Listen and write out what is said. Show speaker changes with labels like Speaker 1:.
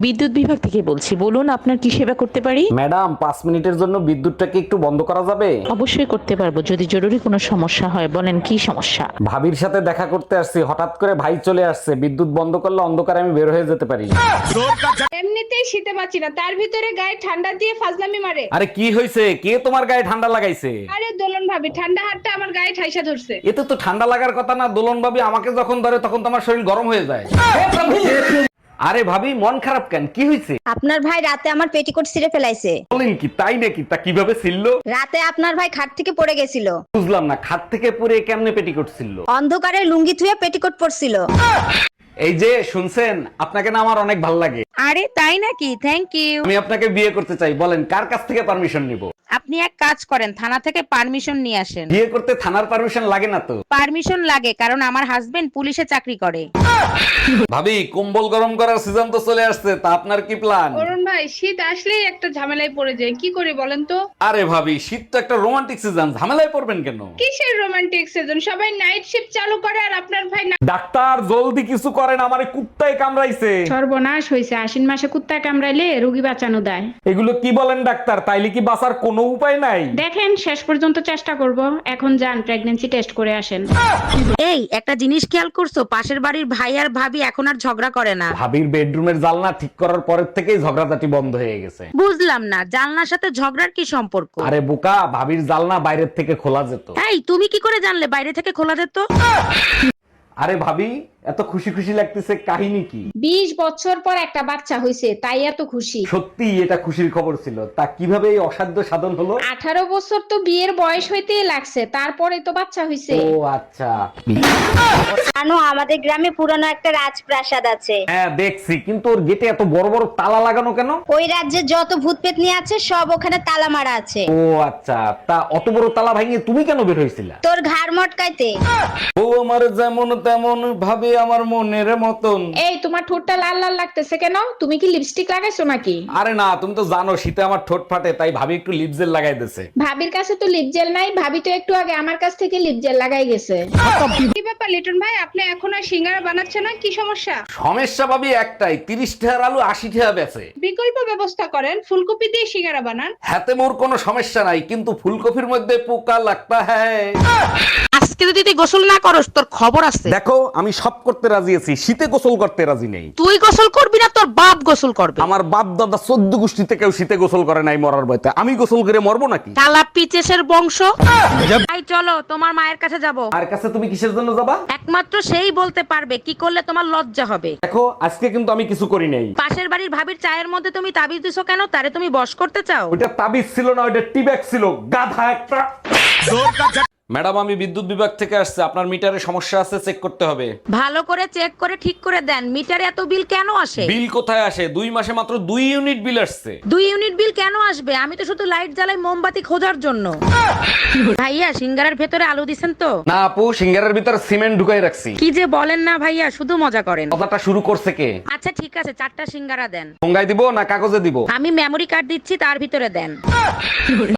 Speaker 1: বিদ্যুৎ বিভাগ থেকে বলছি, বলুন আপনার কি সেবা করতে পারি।
Speaker 2: ম্যাডাম 5 মিনিটের জন্য বিদ্যুৎটাকে একটু বন্ধ করা যাবে?
Speaker 1: অবশ্যই করতে পারবো, যদি জরুরি কোনো সমস্যা হয়। বলেন কি সমস্যা।
Speaker 2: ভাবির সাথে দেখা করতে আসছি, হঠাৎ করে ভাই চলে আসছে। বিদ্যুৎ বন্ধ করলে অন্ধকারে আমি বের হয়ে যেতে পারি।
Speaker 3: এমনিতেই শীতে পাচ্ছি না, তার ভিতরে গায়ে ঠান্ডা দিয়ে ফাজলামি মারে।
Speaker 2: আরে কি হয়েছে? কে তোমার গায়ে ঠান্ডা লাগাইছে?
Speaker 3: আরে দোলন ভাবি, ঠান্ডা হাতটা আমার গায়ে ঠাইসা ধরছে।
Speaker 2: এতে তো ঠান্ডা লাগার কথা না। দোলন ভাবি আমাকে যখন ধরে তখন তোমার শরীর গরম হয়ে যায়। আরে ভাবি মন খারাপ কেন? কি হয়েছে?
Speaker 4: আপনার ভাই রাতে আমার পেটিকোট ছিঁড়ে ফেলাইছে।
Speaker 2: বলেন কি? তাই নাকি? তা কিভাবে ছিল?
Speaker 4: রাতে আপনার ভাই খাট থেকে পড়ে গেছিল,
Speaker 2: বুঝলাম না, খাট থেকে পুরে কেমনে পেটি করছিল?
Speaker 4: অন্ধকারে লুঙ্গি থুয়ে পেটিকোট পরছিল।
Speaker 2: এই যে শুনছেন, আপনাকে না আমার অনেক ভালো লাগে।
Speaker 5: আরে তাই নাকি? Thank you.
Speaker 2: আমি আপনাকে বিয়ে করতে চাই। বলেন কার কাছ থেকে পারমিশন নিব?
Speaker 5: আপনি এক কাজ করেন, থানা থেকে পারমিশন নিয়ে আসেন।
Speaker 2: বিয়ে করতে থানার পারমিশন লাগে না তো?
Speaker 5: পারমিশন লাগে, কারণ আমার হাজবেন্ড পুলিশে চাকরি করে।
Speaker 2: ভাবি কম্বল গরম করার সিজন তো চলে আসছে, তা আপনার কি প্ল্যান?
Speaker 3: অরুণ ভাই, শীত আসলেই একটা ঝামেলায় পড়ে যায়, কি করি বলেন তো?
Speaker 2: আরে ভাবি শীত তো একটা রোমান্টিক সিজন, ঝামেলায় পড়বেন কেন?
Speaker 3: কিসের রোমান্টিক সিজন? সবাই নাইট শিফট চালু করে আর আপনার ভাই
Speaker 2: ডাক্তার জলদি কিছু করেন, আমারে কুত্তায় কামড়াইছে।
Speaker 6: সর্বনাশ হয়েছে, আশ্বিন মাসে কুত্তা কামড়াইলে রোগী বাঁচানো দেয়।
Speaker 2: এগুলো কি বলেন ডাক্তার? তাইলে কি বাঁচার কোনো উপায় নাই?
Speaker 6: দেখেন শেষ পর্যন্ত চেষ্টা করব। এখন যান প্রেগন্যান্সি টেস্ট করে আসেন।
Speaker 5: এই একটা জিনিস খেয়াল করছো, পাশের বাড়ির ভাই আর ভাবি এখন আর ঝগড়া করে না।
Speaker 2: ভাবির বেডরুমের জানলা ঠিক করার পরের থেকেই ঝগড়াঝাটি বন্ধ হয়ে গেছে।
Speaker 5: বুঝলাম না, জানলার সাথে ঝগড়ার কি সম্পর্ক?
Speaker 2: আরে বোকা, ভাবির জানলা বাইরের থেকে খোলা যেত।
Speaker 5: এই তুমি কি করে জানলে বাইরে থেকে খোলা যেত?
Speaker 2: আরে ভাবি এত খুশি খুশি লাগতেছে, কাহিনী কি?
Speaker 6: 20 বছর পর একটা বাচ্চা হয়েছে, তাই এত খুশি।
Speaker 2: সত্যি এটা খুশির খবর ছিল। তা কিভাবে এই অসাধ্য সাধন হলো?
Speaker 6: 18 বছর তো বিয়ের বয়স হইতেই লাগছে, তারপরে তো বাচ্চা হয়েছে।
Speaker 2: ও আচ্ছা।
Speaker 4: জানো আমাদের গ্রামে পুরানো একটা রাজপ্রাসাদ আছে।
Speaker 2: হ্যাঁ দেখছি, কিন্তু ওর গেটে এত বড় বড় তালা লাগানো কেন?
Speaker 4: ওই রাজ্যে যত ভূত পেতনি আছে সব ওখানে তালা মারা আছে।
Speaker 2: ও আচ্ছা, তা অত বড় তালা ভাঙিয়ে তুমি কেন বের হয়েছিলা?
Speaker 4: তোর ঘাড় মটকাইতে।
Speaker 2: ও আমার যেমন তেমন ভাবে আমার মনের মতন।
Speaker 6: এই তোমার ঠোঁটটা লাল লাল লাগতেছে কেন? তুমি কি লিপস্টিক লাগাইছো নাকি?
Speaker 2: আরে না, তুমি তো জানো শীতে আমার ঠোঁট ফাটে, তাই ভাবি একটু লিপ জেল লাগাই দিয়েছে।
Speaker 6: ভাবির কাছে তো লিপ জেল নাই, ভাবি তো একটু আগে আমার কাছ থেকে লিপ জেল লাগাই গেছে।
Speaker 3: কি ব্যাপার লিটন ভাই, আপনি এখন আর সিঙ্গারা বানাচ্ছেন না? কি সমস্যা?
Speaker 2: সমস্যা ভাবি একটাই, 30 টাকার আলু 80 টাকা বেচে।
Speaker 3: বিকল্প ব্যবস্থা করেন, ফুলকপি দিয়ে সিঙ্গারা বানান।
Speaker 2: হাতে মোর কোনো সমস্যা নাই, কিন্তু ফুলকপির মধ্যে পোকা লাগতা হ্যায়।
Speaker 5: আজকে যদি তুই গোসল না করস তোর খবর আছে।
Speaker 2: দেখো আমি সব করতে রাজি আছি, শীতে গোসল করতে রাজি নেই।
Speaker 5: তুই গোসল করবি না, তোর বাপ গোসল করবে।
Speaker 2: আমার বাপ দাদা 14 গোষ্ঠীতে কেউ শীতে গোসল করে নাই মরার ভয়তে। আমি গোসল করে মরবো নাকি?
Speaker 5: কালা পিচেসের বংশ। তাই চলো তোমার মায়ের কাছে যাব।
Speaker 2: আর কাছে তুমি কিসের জন্য যাবা?
Speaker 5: একমাত্র সেই বলতে পারবে কি করলে তোমার লজ্জা হবে।
Speaker 2: দেখো আজকে কিন্তু আমি কিছু করি নাই।
Speaker 5: পাশের বাড়ির ভাবির চায়ের মধ্যে তুমি তাবিজ দিছো কেন? তারে তুমি বশ করতে চাও?
Speaker 2: ওইটা তাবিজ ছিল না, ওইটা টিব্যাগ ছিল, গাধা একটা। ম্যাডাম আমি বিদ্যুৎ বিভাগ থেকে আসছে, আপনার মিটারে সমস্যা আছে, চেক করতে হবে।
Speaker 5: ভালো করে চেক করে ঠিক করে দেন। মিটারে এত বিল কেন আসে?
Speaker 2: বিল কোথায় আসে? 2 মাসে মাত্র 2 ইউনিট বিল আসছে।
Speaker 5: 2 ইউনিট বিল কেন আসবে? আমি তো শুধু লাইট জ্বালাই মোমবাতি খোঁজার জন্য। ভাইয়া সিঙ্গারার ভেতরে আলু দিছেন তো?
Speaker 2: না আপু, সিঙ্গারের ভিতর সিমেন্ট ঢুকাই রাখছি।
Speaker 5: কি যে বলেন না ভাইয়া, শুধু মজা করেন।
Speaker 2: কথাটা শুরু করছে কে?
Speaker 5: আচ্ছা ঠিক আছে, 4টা সিঙ্গারা দেন।
Speaker 2: ঠোঙ্গায় দিব না কাগজে দিব?
Speaker 5: আমি মেমরি কার্ড দিচ্ছি, তার ভিতরে দেন।